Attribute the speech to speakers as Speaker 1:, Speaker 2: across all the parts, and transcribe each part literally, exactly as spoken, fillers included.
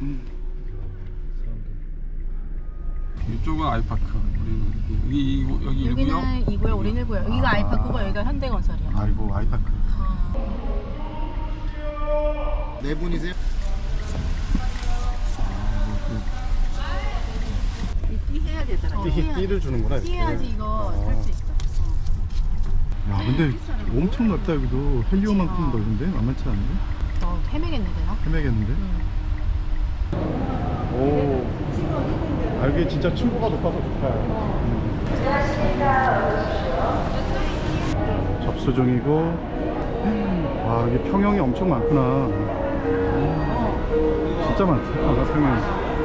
Speaker 1: 이쪽은 아이파크. 우리 여기 여기 여기 일구역.
Speaker 2: 여기는 이구역, 우리는 일구역. 여기가
Speaker 1: 아.
Speaker 2: 아이파크고 여기가 현대건설이야.
Speaker 1: 아이고 아이파크.
Speaker 2: 아.
Speaker 3: 네 분이세요?
Speaker 2: 띠 해야 되더라.
Speaker 1: 띠, 띠를 주는구나. 이렇게.
Speaker 2: 띠해야지 이거 살 수 있어.
Speaker 1: 야 근데 엄청 넓다 여기도. 헬리오만큼 넓은데 만만치 않은데?
Speaker 2: 어, 헤매겠는데 나?
Speaker 1: 헤매겠는데?
Speaker 2: 응.
Speaker 1: 오. 아 여기 진짜 층고가 높아서 좋다. 음. 접수 중이고. 와 여기 평형이 엄청 많구나. 진짜 많다. 아, 평형.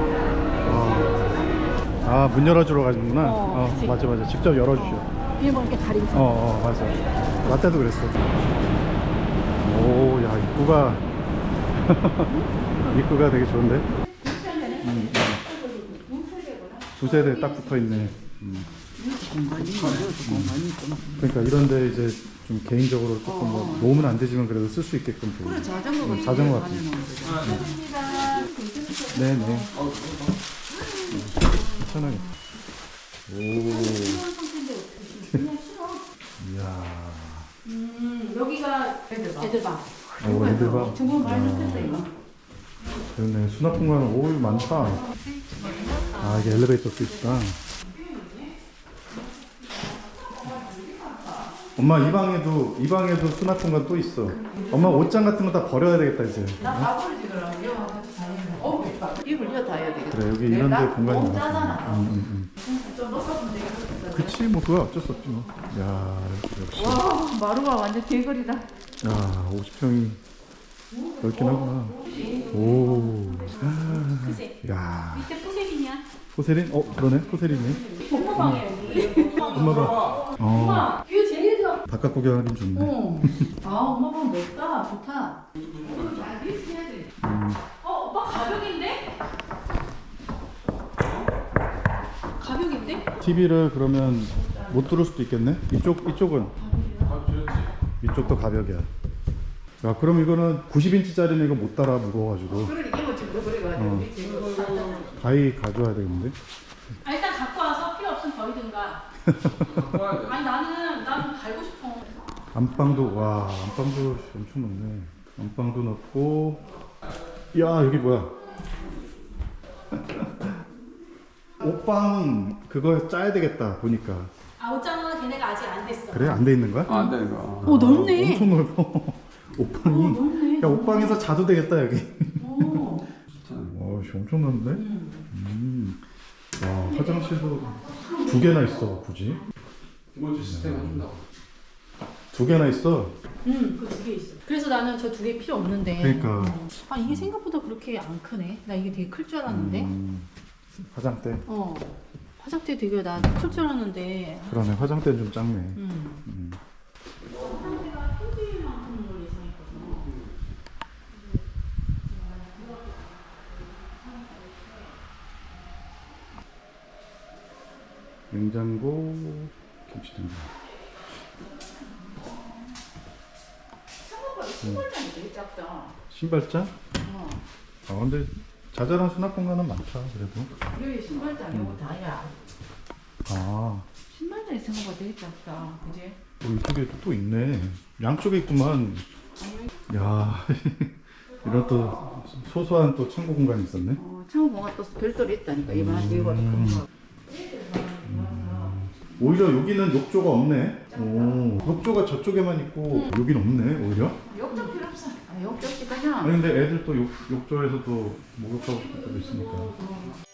Speaker 1: 아 문 열어주러 가는구나.
Speaker 2: 어,
Speaker 1: 어,
Speaker 2: 그치.
Speaker 1: 맞아 맞아. 직접 열어주셔.
Speaker 2: 일본 이렇게 다리고
Speaker 1: 어, 어 맞아. 나 때도 그랬어. 오, 야 입구가 입구가 되게 좋은데. 음, 음. 두 세대 딱 붙어 있네. 음. 그러니까 이런데 이제 좀 개인적으로 조금 뭐 놓으면 안 되지만 그래도 쓸 수 있게끔.
Speaker 4: 그래 자전거
Speaker 1: 음, 자전거 같은. 네네. 편하게. 오. 이야.
Speaker 2: 음, 여기가 애들방.
Speaker 1: 오, 애들 봐.
Speaker 4: 정말 많이 좋겠다 이거.
Speaker 1: 그러네. 수납 공간 오 많다. 아 이게 엘리베이터 스위치다. 엄마 이 방에도 이 방에도 수납 공간 또 있어. 엄마 옷장 같은 거 다 버려야 되겠다 이제.
Speaker 4: 나 가버리지 그럼 이거 같이 다니면 어 입을 이어 다 해야 되겠다.
Speaker 1: 그래 여기 이런 데 공간이
Speaker 4: 너무
Speaker 1: 많아.
Speaker 4: 짜잖아.
Speaker 1: 응, 응,
Speaker 4: 좀 높아지면 되겠다.
Speaker 1: 응. 그치 뭐 그거 어쩔 수 없지 뭐. 야 역시.
Speaker 4: 와 마루가 완전 개거리다.
Speaker 1: 야 오십 평이 넓긴 하구나. 오. 야.
Speaker 2: 밑에 포세린이야.
Speaker 1: 포세린? 어 그러네 포세린이네.
Speaker 2: 엄마방이야 여기.
Speaker 1: 엄마 봐. 어.
Speaker 2: 뷰 제일 좋아.
Speaker 1: 바깥 구경하긴 좋네.
Speaker 4: 어. 아 엄마 방 넓다 좋다.
Speaker 1: 음.
Speaker 2: 어, 오빠 가벽인데? 가벽인데?
Speaker 1: 티비를 그러면 못 들을 수도 있겠네? 이쪽, 이쪽은? 이쪽도 가벽이야. 야, 그럼 이거는 구십 인치짜리는 이거 못 따라 무거워가지고.
Speaker 4: 그러니까 이거 지금 그래가지고
Speaker 1: 어.
Speaker 4: 밑에 이거 샀잖아.
Speaker 1: 가위 가져와야 되겠는데?
Speaker 2: 아, 일단 갖고 와서 필요 없으면 버리든가. 아니 나는 나는 달고 싶어.
Speaker 1: 안방도, 와, 안방도 엄청 넓네. 안방도 넓고. 야, 여기 뭐야? 옷방 그거 짜야 되겠다, 보니까.
Speaker 2: 아, 옷장은 걔네가 아직 안 됐어.
Speaker 1: 그래? 안 돼 있는 거야?
Speaker 3: 안 되는 거.
Speaker 2: 오, 넓네.
Speaker 1: 엄청 넓어. 옷방이.
Speaker 2: 넓네.
Speaker 1: 야, 옷방에서 자도 되겠다, 여기.
Speaker 2: 오.
Speaker 1: 와, 씨, 엄청 넓네. 음. 와, 화장실도 두 개나 있어, 굳이.
Speaker 3: 기본적인 시스템 해준다고.
Speaker 1: 두 개나 있어.
Speaker 2: 응, 그 두 개 있어. 그래서 나는 저 두 개 필요 없는데.
Speaker 1: 그러니까.
Speaker 2: 어. 아, 이게 생각보다 그렇게 안 크네. 나 이게 되게 클 줄 알았는데.
Speaker 1: 음, 화장대.
Speaker 2: 어. 화장대 되게 나 클 줄 알았는데.
Speaker 1: 그러네, 화장대는 좀 작네.
Speaker 2: 음.
Speaker 1: 음.
Speaker 2: 화장대가 텐트만큼을 예상했거든.
Speaker 1: 냉장고, 김치냉장.
Speaker 4: 생각보다 신발장이 되게 작다.
Speaker 1: 신발장?
Speaker 4: 어.
Speaker 1: 아, 근데 자잘한 수납 공간은 많다, 그래도.
Speaker 4: 여기 신발장 이거 다야.
Speaker 1: 아,
Speaker 4: 신발장이 생각보다 되게 작다. 그지?
Speaker 1: 어, 이쪽에 또 있네. 양쪽에 있구만. 야, 이런 또 소소한 또 창고 공간이 있었네.
Speaker 4: 어, 창고가 또 별도로 있다니까. 이만 이거
Speaker 1: 음.
Speaker 4: 큰 거.
Speaker 1: 오히려 여기는 욕조가 없네. 오, 욕조가 저쪽에만 있고 여긴 없네, 오히려.
Speaker 4: 욕조 필요 없어. 아, 욕조 없지 그냥.
Speaker 1: 아니 근데 애들 또 욕, 욕조에서 또 목욕하고 싶을 때도 있으니까.